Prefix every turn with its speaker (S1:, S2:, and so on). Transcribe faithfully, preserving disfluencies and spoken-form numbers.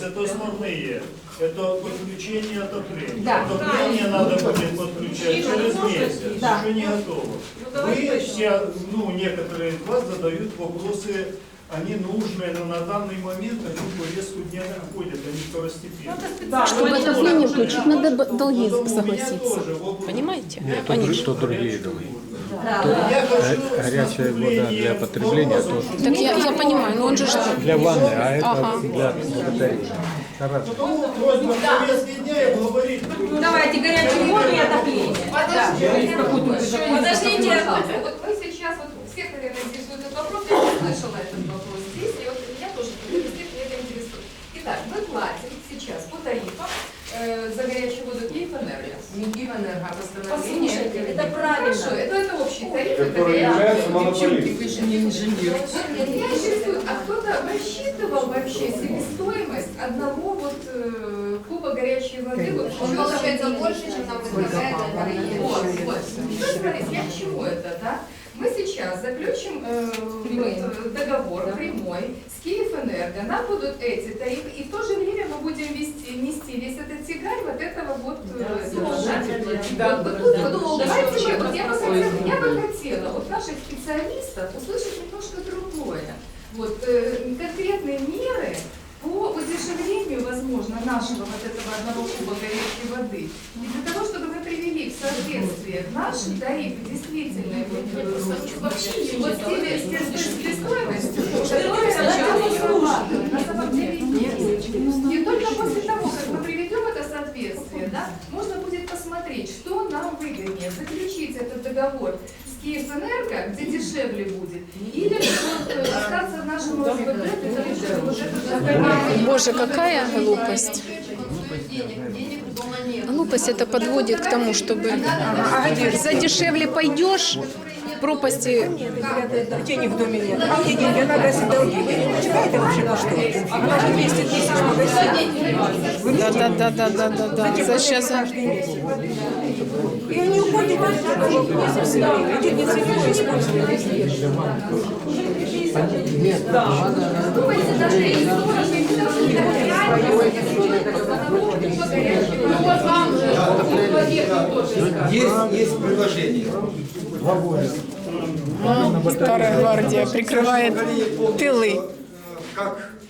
S1: вопрос. Это основные. Это подключение отопления.
S2: Да.
S1: Отопление надо будет подключать через месяц.
S2: Да.
S1: Еще не готово. Вы все, ну, некоторые из вас задают вопросы, они нужные, но на данный момент они в повестку дня не входят, они второстепенные.
S2: Да,
S3: Чтобы отопление включить, надо б- долги
S1: Потом у меня
S3: согласиться.
S1: тоже вопрос.
S3: Понимаете?
S4: Нет, то, друг- то другие долги.
S1: Я хочу
S4: Го- горячая вода для потребления тоже.
S3: Так я, я понимаю, но он же что?
S4: Для ванны, а это
S3: Ага.
S4: для батареи. Раз.
S1: Потому просьба в повестке дня и говорить.
S2: Давайте горячую воду и отопление.
S5: Подождите,
S2: Подождите.
S5: вот мы сейчас, вот всех, наверное, интересует этот вопрос, я не слышала этот вопрос здесь, и вот меня тоже, всех меня это интересует. Итак, мы платим сейчас по тарифам э, за горячую воду Киевэнерго.
S6: Не Киевэнерго, а
S5: Послушайте,
S6: постановление.
S5: это правильно, это, это общий тариф, это
S7: Который
S5: горячая
S7: является
S5: вода.
S7: монополистом.
S6: Вы же не инженер.
S5: Вот меня интересует, а кто-то рассчитывал вообще себестоимость одного вот э, куба горячей воды? Вот,
S6: Он получается больше, чем нам предлагает
S5: Вот,
S6: Альфа-Рейн.
S5: вот. Ну, смотрите, я к чему это, да? Мы сейчас заключим э, вот, э, договор прямой с Киевэнерго, нам будут эти тарифы, и в то же время мы будем вести, нести весь этот тягарь вот этого вот э, долга.
S6: Да,
S5: Вот
S6: да,
S5: тут
S6: да.
S5: вот,
S6: Да.
S5: давайте мы, вот я бы хотела,
S6: Ой,
S5: я бы хотела вот наших специалистов услышать немножко другое. Вот э, конкретные меры по удешевлению, возможно, нашего вот этого одного куба горячей воды. И для того, чтобы мы привели в соответствие наши тарифы действительно вот, э, вообще вот с теми с тем- с себестоимостью, которая на самом деле есть. И только после того, как мы приведем это соответствие, да, можно будет посмотреть, что нам выгоднее, заключить этот договор с Киевэнерго, где дешевле будет, или вот, э, остаться в нашем ОСББ для того, чтобы вот это
S3: Боже, какая глупость. Глупость это подводит к тому, чтобы за дешевле пойдешь, пропасти.
S8: Денег в доме нет. А где деньги? Надо если долги. Вы не почитаете вообще на что? А даже двести тысяч магазин.
S3: Да, да, да, да, да, да, да. За сейчас.
S8: И они уходят от этого вопроса все время. Эти не целевое использование.
S5: Думайте, даже и сорок, и даже реально,
S7: Есть, есть предложение.
S3: Старая гвардия прикрывает тылы.
S7: Как